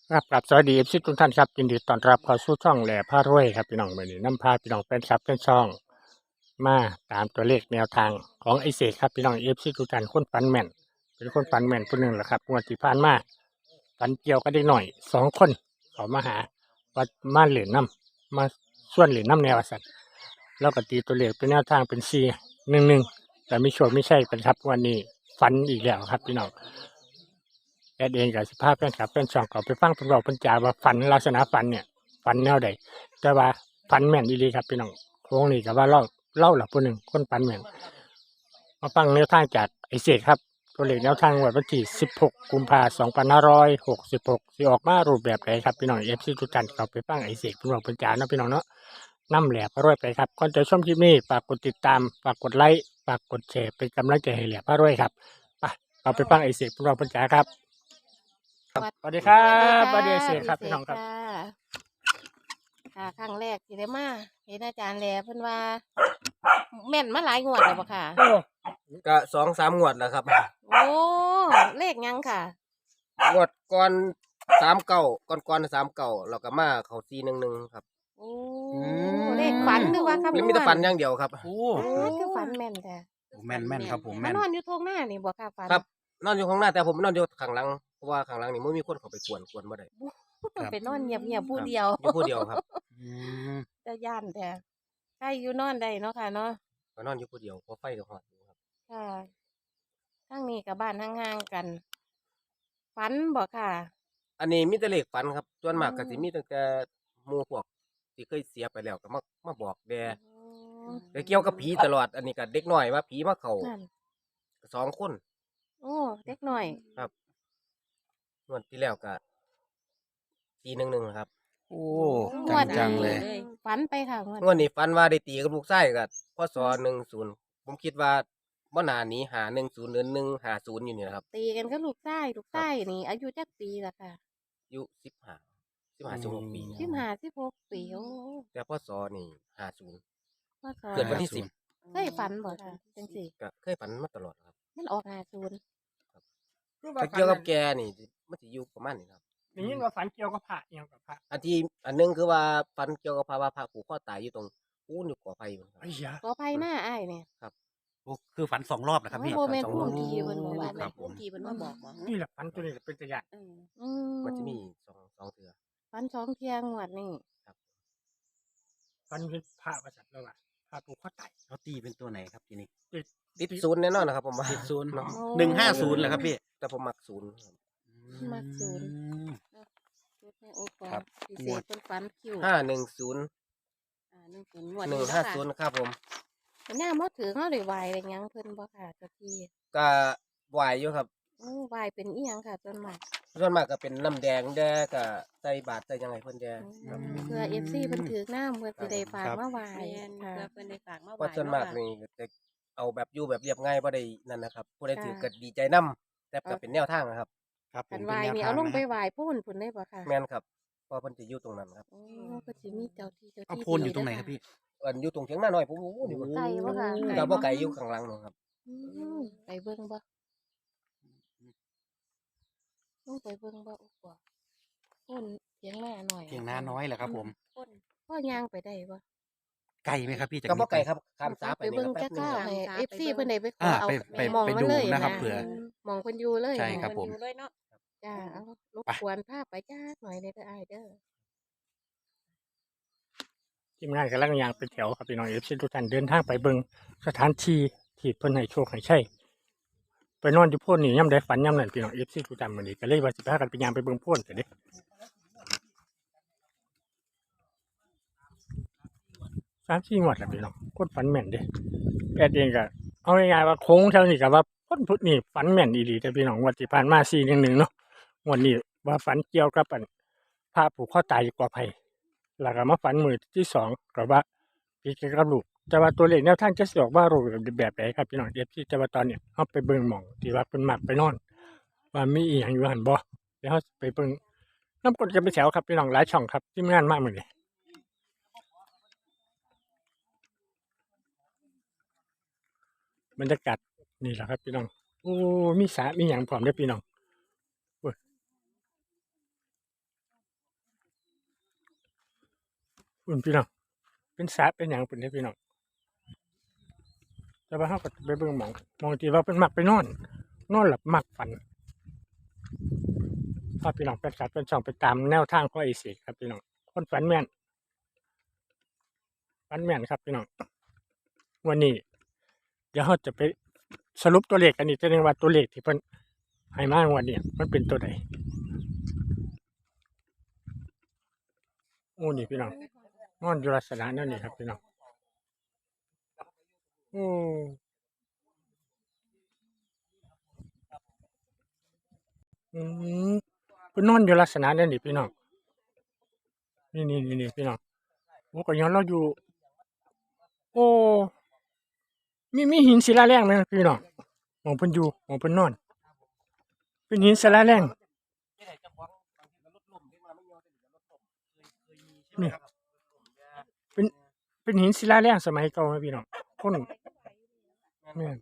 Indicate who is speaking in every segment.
Speaker 1: ครับสวัสดีFCทุกท่านครับยินดีต้อนรับเข้าสู่ช่องแหล่พารวยครับพี่น้องมื้อนี้นำพาพี่น้องแฟนคลับแฟนช่องมาตามตัวเลขแนวทางของไอ้เสกครับพี่น้อง FC ทุกท่านคนฝันแม่นเป็นคนฝันแม่นผู้หนึ่งแหละครับงวดที่ผ่านมาฝันเกี่ยวกับเด็กหน่อย2 คนเขามาหาว่ามาเหรียญน้ำมาส่วนเหรียญน้ำแนวสัตว์แล้วก็ตีตัวเลขเป็นแนวทางเป็น4-1แต่ไม่ชัวร์ไม่ใช่เป็นครับวันนี้ฝันอีกแล้วครับพี่น้อง แอดเองกับสภาพแฟนคลับแฟนช่องก็ไปฟังเพิ่นบอกเพิ่นจาว่าฝันลักษณะฝันเนี่ยฝันแนวใดแต่ว่าฝันแม่นดีครับพี่น้องโค้งนี่ก็ว่าเล่าหลับผู้หนึ่งคนฝันแม่นมาฟังแนวทางจากไอเศษครับตัวเลขแนวทางวันที่16กุมภาพันธ์2566สิออกมารูปแบบไหนครับพี่น้อง FC ทุกท่านก็ไปฟังไอเศษเพิ่นบอกเพิ่นจาเนาะพี่น้องเนาะนำแหลกพารวยไปครับก่อนจะชมคลิปนี้ฝากกดติดตามฝากกดไลค์ฝากกดแชร์เป็นกำลังใจให้แหลกพารวยครับไปเราไปฟังไอเศษเพิ่นบอกเพิ่นจาครับ สวัสดีครั
Speaker 2: สวัสดีค่ะ
Speaker 1: บสวัสดีเสก
Speaker 2: พี่
Speaker 1: ครับ
Speaker 2: เสก
Speaker 1: พี่น้องครับ
Speaker 2: ค่ะค่ะครั้งแรกที่ได้มาเห็นอาจารย์แลเพิ่นว่าแม่นมาหลายงวดแล้วบ่ค่ะ
Speaker 1: โอ้
Speaker 3: ก็2-3งวดแล้วครับ
Speaker 2: โอ้เลขหยังค่ะ
Speaker 3: งวดก่อน39ก่อน39แล้วก็มาเข้า411ครับ
Speaker 2: โอ้
Speaker 4: ม
Speaker 2: เลขฝันหรือว่าคำน
Speaker 3: แล้ว
Speaker 2: ว
Speaker 3: มีแต่
Speaker 2: ณ
Speaker 3: ฝันอย่างเดียวครับ
Speaker 4: โอ้
Speaker 2: โอ้คือฝันแม่นค่ะ
Speaker 4: แม่นแม่นครับผม
Speaker 2: มา
Speaker 4: แม่น
Speaker 2: นอนอยู่ทงหน้านี่บ่ค่ะฝัน
Speaker 3: ครับนอนอยู่ข้างหน้าแต่ผมนอนอยู่ข้างหลังเพราะว่าข้างหลังนี่บ่มีคนเข้าไปกวนบ่ได้
Speaker 2: ไปนอนเงียบๆผู้เดียว
Speaker 3: อยู่ผู้เดียวครับ
Speaker 4: อืม
Speaker 2: จะย่านแท้ใครอยู่นอนได้เนาะค่ะเนาะ
Speaker 3: ก็นอนอยู่ผู้เดียวเพราะไฟก็ฮอดอยู่ครับ
Speaker 2: ค่ะทางนี้กับบ้านห่างๆกันฝันบ่ค่ะ
Speaker 3: อันนี้มีแต่เลขฝันครับส่วนมากก็
Speaker 2: อืม
Speaker 3: สิมีตั้งแต่หมู่พวกที่เคยเสียไปแล้วก็มาบอกแด่แต่เกี่ยวกับผีตลอดอันนี้ก็เด็กน้อยว่าผีมาเข้า
Speaker 2: นั่น
Speaker 3: 2 คน
Speaker 2: โอ้เด็กหน่อย
Speaker 3: ครับงวดที่แล้วก็411ครับ
Speaker 4: โอ้
Speaker 2: งวด
Speaker 4: จังๆเลย
Speaker 2: ฝันไปค่ะงวด
Speaker 3: งวดนี้ฝันว่าได้ตีกับลูกชายก็พศ10ผมคิดว่าบ่น่าหนี510หรือ150อยู่นี่นะครับ
Speaker 2: ตีกันก็ลูกชายนี่อายุจักปีละค่ะ
Speaker 3: อายุ15 16ปี
Speaker 2: 15 16 ปีโอ้
Speaker 3: แต่พศนี่50
Speaker 2: ว่าสอ
Speaker 3: เกิดวันที่
Speaker 2: เคยฝันบ่ค่ะจังสิ
Speaker 3: 10ก็เคยฝันมาตลอดครับ
Speaker 2: มันออก50
Speaker 3: แต่เกี่ยวกับแกนี่มันสิอยู่ประมาณนี้ครับ
Speaker 1: ได้ยินว่าฝันเกี่ยวกับพระเกี่ยวกับพระ
Speaker 3: อันหนึงคือว่าฝันเกี่ยวกับพระว่าพระผูกคอตายอยู่ตรงปูนอยู่ก่อไฟอยู่ครับ
Speaker 1: ไอ้ยา
Speaker 2: ขออภัยหน้าอ้ายเนี่ย
Speaker 4: โอ้คือฝัน2 รอบนะครับพี่
Speaker 2: โมเมนต์
Speaker 3: สอง
Speaker 2: พุ่
Speaker 3: รอบ
Speaker 2: มทีเพิ่นบ่ว่า
Speaker 4: ครับผม
Speaker 5: ทีเพิ่นมาบอกบ่
Speaker 1: นี่แหละฝันตัวนี้เป็นตัวอย่าง
Speaker 2: อืม
Speaker 3: มันจะมีสองเทื่อ
Speaker 2: ฝัน2เที่ยงวดนี่
Speaker 1: ฝันเป็นพระประสัตว์แล้วว่าพระผูกข้อไต
Speaker 4: เขาตีเป็นตัวไหนครับทีนี้
Speaker 3: ติดศูนย์แน่นอนนะครับผมว่า
Speaker 4: ติดศูนย์
Speaker 3: เนาะ
Speaker 4: 150เหรอครับพี่
Speaker 3: แต่ผมมักศูนย์ครับ
Speaker 2: มักศูนย์
Speaker 4: อืม
Speaker 2: ชุดแม่โอปอ
Speaker 4: ครับ
Speaker 2: พิเศษเพิ่นฝันคิว
Speaker 3: 510
Speaker 2: 10งวดนี้เนาะค่ะ
Speaker 3: 150ครับผม
Speaker 2: สัญญาบ่ถือเฮาได้ไหว้ได้หยังเพิ่นบ่ค่ะเจ้าที่
Speaker 3: ก็ไหวอยู่ครับ
Speaker 2: ไหว้เป็นอีหยังค่ะส่วนมาก
Speaker 3: ส่วนมากก็เป็นน้ำแดงแดก็ใส่บาตรใส่หยังไงเพิ่นแด
Speaker 2: เพื่อ FC เพิ่นถือน้ำเพิ่นสิได้ฝากมาไหว้
Speaker 5: แม่น
Speaker 2: ค่ะ
Speaker 5: เพื่อเพิ่นได้ฝากมา
Speaker 3: เพ
Speaker 5: ไหว้
Speaker 3: ราะส่วนมาก
Speaker 5: เนาะ
Speaker 3: นี่จะเอาแบบอยู่แบบเรียบง่ายบ่ได้นั่นนะครับผู้ใด
Speaker 2: ค่ะ
Speaker 3: ถือก็ดีใจนํแต่ก็เป็นแนวทางนะครับ
Speaker 4: ครับผ
Speaker 2: คั
Speaker 4: ม
Speaker 2: น
Speaker 4: เป็
Speaker 2: ไห
Speaker 4: น
Speaker 2: ว้
Speaker 4: แนว
Speaker 2: นี่
Speaker 4: ทา
Speaker 2: เอา
Speaker 4: ง
Speaker 2: ลง
Speaker 4: นะ
Speaker 2: ไป
Speaker 4: ครับ
Speaker 2: ไหว้พูนพุ่นได้บ่ค่ะ
Speaker 3: แม่นครับเพราะเพิ่นจะอยู่ตรงนั้นครับ
Speaker 2: โอ้เพิ่นสิมีเจ้าที่เจ้า
Speaker 4: เอา
Speaker 2: ที่
Speaker 4: โพนอยู่ตรงไหนครับพี่
Speaker 3: อันอยู่ตรงเถียงนาน้อยผมโอ้โหนี่
Speaker 2: ไกลบ่ค่ะ
Speaker 3: ก็บ่ไกลอยู่ข้างหลังนู่นครับ
Speaker 2: อืมไปเบิ่งบ่ลงไปเบิ่งบ่โอ้บ่พุ่นเถียงหน้าหน่อย
Speaker 4: เพียงน้าน้อยเหรอครับผม
Speaker 2: พ่อย่างไปได้บ่
Speaker 4: ไกลไหมครับพี่จาก
Speaker 3: ก็บ่
Speaker 4: นี้
Speaker 3: ไกลครับข้ามสาไป
Speaker 2: ไป
Speaker 3: นี่
Speaker 2: เบิ่ง
Speaker 3: ก็แป๊
Speaker 2: จั
Speaker 3: บ
Speaker 2: ก
Speaker 3: นึง
Speaker 2: ข้าว
Speaker 3: ครับ
Speaker 2: ให้ FC เพิ่นได้ไปขอ
Speaker 4: อ่า
Speaker 2: เอา
Speaker 4: ไป
Speaker 2: มอง
Speaker 4: ไป
Speaker 2: มัน
Speaker 4: ดู
Speaker 2: เลย
Speaker 4: นะครับ
Speaker 2: นะ
Speaker 4: เผื่อ
Speaker 2: มองเพิ่นอยู่เลย
Speaker 4: ใช่ครับ
Speaker 5: เพิ่นอยู่เลยเนาะ
Speaker 2: จ้าเอารบ
Speaker 4: ไป
Speaker 2: กวนพาไปจักหน่อยเด้ออ้ายเด้อ
Speaker 1: ทีมงานกำลังยางเป็นแถวครับพี่น้องเอฟซีทุกท่านเดินทางไปเบิ่งสถานที่ที่เพิ่นให้โชคให้ใช่ไปนอนอยู่โพ่นนี่ย่ำได้ฝันย่ำนั่นพี่น้องเอฟซีทุกท่านมื้อนี้ก็เลยว่าสิพากันไปยางไปเบิ่งโพ่นแต่เด้3-4 งวดแล้วพี่น้องคนฝันแม่นเด้แอดเองก็เอาง่ายๆว่าโค้งเท่านี้ก็ว่าคนพุทธนี่ฝันแม่นอีหลีแต่พี่น้องงวดที่ผ่านมา411เนาะงวดนี้ว่าฝันเกี่ยวกับอันพระผูกคอตายอยู่กอไผ่แล้วก็มาฝันมื้อที่2ก็ว่าพี่เกี่ยวกับลูกแต่ว่าตัวเลขแนวทางจะสิออกมารูปแบบใดครับพี่น้อง FC แต่ว่าตอนเนี้ยเฮาไปเบิ่งหม้องที่ว่าเพิ่นมักไปนอนว่ามีอีหยังอยู่หั่นบ่เดี๋ยวเฮาไปเบิ่งนำกดกันไปแถวครับพี่น้องหลายช่องครับทีมงานมามื้อนี้บรรยากาศนี่แหละครับพี่น้องโอ้มีสระมีหยังพร้อมเด้อพี่น้องโอ้ยอุ่นพี่น้องเป็นสระเป็นหยังเป็นได้พี่น้องแต่ว่าเฮาก็ไปเบิ่งหมองที่ว่าเป็นมักไปนอนหลับมักฝันพาพี่น้องเป็นสัตว์เป็นช่องไปตามแนวทางของไอ้เสกครับพี่น้องคนฝันแม่นครับพี่น้องวันนี้เดี๋ยวเราจะไปสรุปตัวเลขกันอีกทีนึงว่าตัวเลขที่เพิ่นให้มางวันนี้มันเป็นตัวใดโอ้นี่พี่น้องนอนอยู่ลักษณะนั่นนี่ครับพี่น้องโอ้อืมเพิ่นนอนอยู่ลักษณะนั่นนี่พี่น้องนี่พี่น้องโอ้ก็ย้อนเราอยู่โอ้มีหินศิลาแรงไหมพี่น้องหมองเพิ่นอยู่หมองเพิ่นนอนเป็นหินศิลาแรงนี่เป็นหินศิลาแรงสมัยเก่าไหมพี่น้องคนแม่น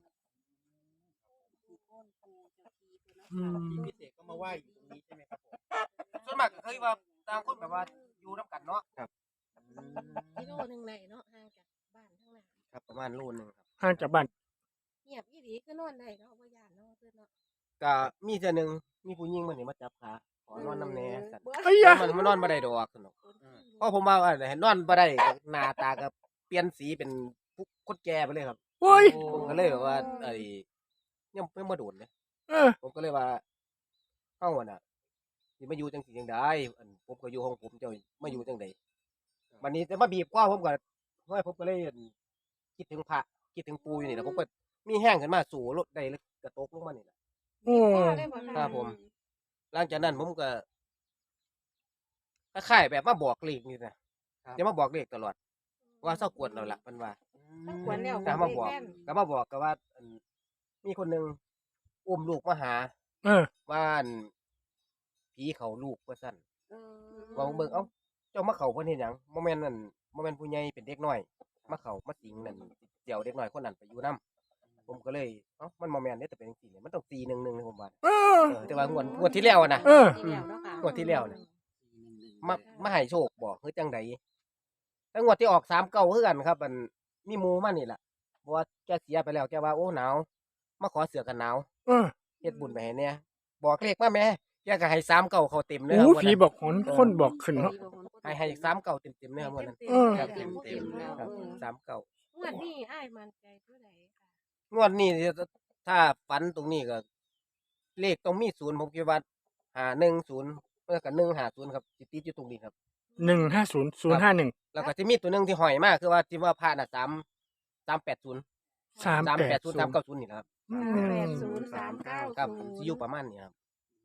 Speaker 1: อืม
Speaker 3: พิเศษก็มาไหว้อยู่ตรงนี้ใช่ไหมครับผมส่วนมากก็เคยว่าต่างคนแบบว่าอยู่น้ำกันเนาะครับ
Speaker 2: กิโลหนึงไหนเนาะห่างจากบ้านทั้งนั้น
Speaker 3: ครับประมาณโลนึงครับ
Speaker 1: ห่างจากบ้าน
Speaker 2: เงียบอีหลีคือนอนได้เนาะบ่ย่านเนาะเพิ่นเนาะ
Speaker 3: ก็มีเทื่อหนึงมีผู้หญิงมานี่มาจับขาขอนอนน้ำแหน่สัตว์
Speaker 2: บ่
Speaker 1: เอ้ย
Speaker 3: แต่มันนอนบ่ได้ดอกสนุกเพราะผมว่าเห็นนอนบ่ได้ก็หน้าตาก็เปลี่ยนสีเป็นผู้คนแก่ไปเลยครับ
Speaker 1: โอ้ย
Speaker 3: ผมก็เลยแบบว่ายังไม่มาโดนเลย
Speaker 1: เออ
Speaker 3: ผมก็เลยว่าเฮาน่ะสิมาอยู่จังซี่จังไดผมก็อยู่ของผมเจ้ามาอยู่จังไดวันนี้จะมาบีบคอผมก็เฮ้ยผมก็เลยคิดถึงพระคิดถึงปู่อยู่นี่แหละผมก็มีแห้งขึ้นมาสู่รถได้แล้วก็ตกลงมานี่แหละ
Speaker 1: โอ้
Speaker 2: ได้บ่ะ
Speaker 3: ครับผม หลังจากนั้นผมก็คล้ายๆแบบมาบอกเลขนี่นะจะมาบอกเลขตลอดว่าเศร้ากวนเราละมันว่า
Speaker 2: ถ้าควรแล้ว
Speaker 3: ก็มาบอก
Speaker 2: แม่น
Speaker 3: ก็มาบอกก็ว่ามีคนหนึงอุ้มลูกมาหา
Speaker 1: เออ
Speaker 3: ว่าผีเขาลูกว่าซั่น
Speaker 2: เออ
Speaker 3: ว่าเบิ่งเอ้าเจ้ามาเข้าเพิ่นเฮ็ดหยังบ่แม่นนั่นบ่แม่นผู้ใหญ่เป็นเด็กน้อยมาเข้ามาสิงนั่นเดี๋ยวเด็กน้อยคนนั้นไปอยู่นํผมก็เลยเอ้ามันบ่แม่นเด้แต่เป็นจังซี่เนี่ยมันต้อง411ผมว่า
Speaker 1: เออ
Speaker 3: แต่ว่างวดที่แล้วอะนะ
Speaker 1: เออ
Speaker 2: ที่แล้วเนาะค่ะ
Speaker 3: งวดที่แล้วน่ะ มาให้โชคบอกคือจังใดแล้วงวดที่ออก39คือกันครับมันมีหมู่มานี่ล่ะเพราะว่าแกเสียไปแล้วแกว่าโอ้หนาวมาขอเสื้อกันหนาว
Speaker 1: เออ
Speaker 3: เฮ็ดบุญไปให้แหน่บอกเลขมาแหม่แกก็ให้39เขาเต็มเลย
Speaker 1: โอ้
Speaker 3: ครับ
Speaker 1: ผีบอกคนบอกขึ้นเนาะ
Speaker 3: ให้39เต็มๆเลยครับวันนั้น
Speaker 1: เออ
Speaker 3: ครับ
Speaker 2: เต็
Speaker 3: เต็ม
Speaker 2: มๆแล้ว
Speaker 3: ๆครับ
Speaker 2: งวดนี้อ้ายมั่นใจเท่าใดค่ะ
Speaker 3: 39งวดนี้ถ้าฝันตรงนี้ก็ เลขต้องมี0ผมคิดว่า510แล้วก็150ครับสิติดอยู่ตรงนี้ครับ
Speaker 1: 150
Speaker 3: แล้วก็สิมีตัวหนึงที่ห้อยมาคือว่าที่ว่าพระน่ะ380
Speaker 1: 380
Speaker 3: 390นี่แหละครับ
Speaker 1: อืม
Speaker 2: 380
Speaker 3: ครับสิอยู่ประมาณนี้ครับ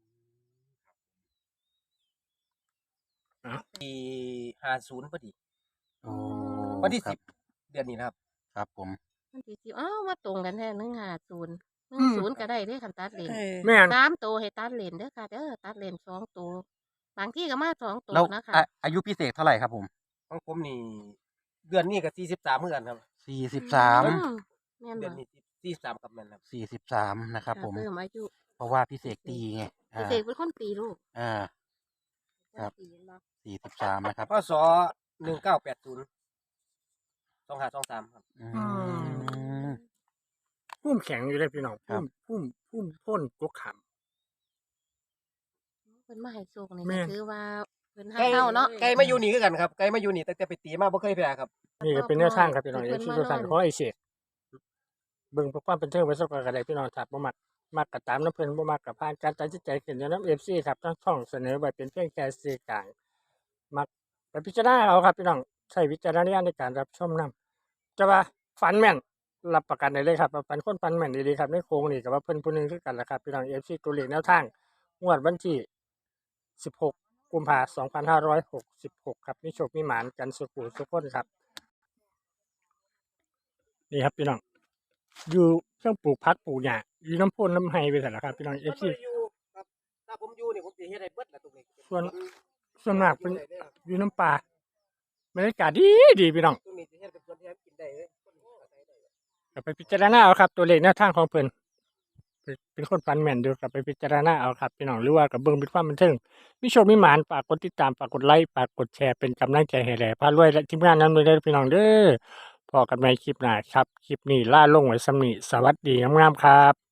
Speaker 1: อ่ะ
Speaker 3: ปี50พอดี
Speaker 4: โอ้
Speaker 3: วันที่
Speaker 4: ครับ
Speaker 3: 10เดือนนี้นะครับ
Speaker 4: ครับผม
Speaker 2: มันสิอ้าวมาตรงกันแท้150 10ก็ได้เด้คันตัดเลน
Speaker 1: แม่น
Speaker 2: 3ตัวให้ตัดเลนเด้อค่ะเด้อตัดเลน2ตัวบางที่ก็มา2ตัว
Speaker 4: แล้ว
Speaker 2: นะคะ
Speaker 4: อายุพี่เสกเท่าไหร่ครับผม
Speaker 3: ของผมนี่เดือนนี้ก็43เหมือนกันครับ
Speaker 4: 43
Speaker 2: อืมแม่น
Speaker 3: เดื
Speaker 2: บ่
Speaker 3: อนนี้43ครับแม่นครับ
Speaker 4: 43นะครับผม
Speaker 2: เพิ่มอายุ
Speaker 4: เพราะว่าพี่เสกตีไง
Speaker 2: พี่เสกเป็นคนตีลูก
Speaker 4: ครับ
Speaker 2: ตีเนาะ
Speaker 4: 43นะครับ
Speaker 3: พศ1980 2523ครับ
Speaker 4: อื
Speaker 1: อื
Speaker 4: ม
Speaker 1: พุ่มแข็งอยู่เลยพี่น้อง
Speaker 4: ครับ
Speaker 1: พุ่มพ่นกกขาม
Speaker 2: เพิ่นมาให้โชคนี่
Speaker 1: แม่
Speaker 2: ก็
Speaker 1: น
Speaker 2: ถือว่าเพิ่นให้เฮาเนาะ
Speaker 3: ไก่มาอยู่นี่คือกันครับไก่มาอยู่นี่ตั้งแต่ไปตีมาบ่เคยแพ้ครับ
Speaker 1: นี่ก็เป็นแนวทางครับพี่น้อง
Speaker 2: เพิ่
Speaker 1: เอน ฟซี
Speaker 2: มา
Speaker 1: ทุกท่าน
Speaker 2: นอน
Speaker 1: ขอไอ้เสกเบิ่งเพื่อความเป็นเทิงไว้สักกระไดพี่น้องครับบ่มักก็ตามน้ำเพิ่นบ่มักก็ผ่านการตัดสินใจขึ้นอยู่นำ FC ครับทั้งช่องเสนอไว้เป็นเพียงแค่สื่อกลางมักไปพิจารณาเอาครับพี่น้องใช้วิจารณญาณในการรับชมนํจะว่าฝันแม่นรับประกันได้เลยครับว่าฝันคนฝันแม่นดีๆครับในโครงนี่ก็ว่าเพิ่นผู้หนึงคือกันล่ะครับพี่น้อง FC ตัวเลขแนวทางงวดวันที่16กุมภาพันธ์2566ครับมีโชคมีหมานกันสุขุสุขคนครับ นี่ครับพี่น้องอยู่เครื่องปลูกพักปลูกหญ้าอยู่น้ำพ่นน้ำไฮไปแต่ละครับพี่น้องเอฟซี
Speaker 3: อยู่ครับถ้าผมอยู่นี่ผมสิเฮ็ดให้เบิดแหละตรงนี้
Speaker 1: ส่วนมากเป็นอยู่น้ำปลาบรรยากาศดีพี่น้อง
Speaker 3: ตรงนี้สิเฮ็ดเป็นสวนที่ให้กินได้เลย
Speaker 1: ก็ไปพิจารณาเอาครับตัวเลขแนวทางของเพิ่นเป็นคนฝันแม่นอยู่กับไปพิจารณาเอาครับพี่น้องหรือว่ากับเบิ่งเป็นความบันเทิงมีโชคมีหมานฝากกดติดตามฝากกดไลค์ฝากกดแชร์เป็นกำลังใจให้แหล่พารวยและทีมงานนั้นด้วยเด้อพี่น้องเด้อพอกันใหม่คลิปหน้าครับคลิปนี้ล่าลงไว้สำนี้สวัสดีงามๆครับ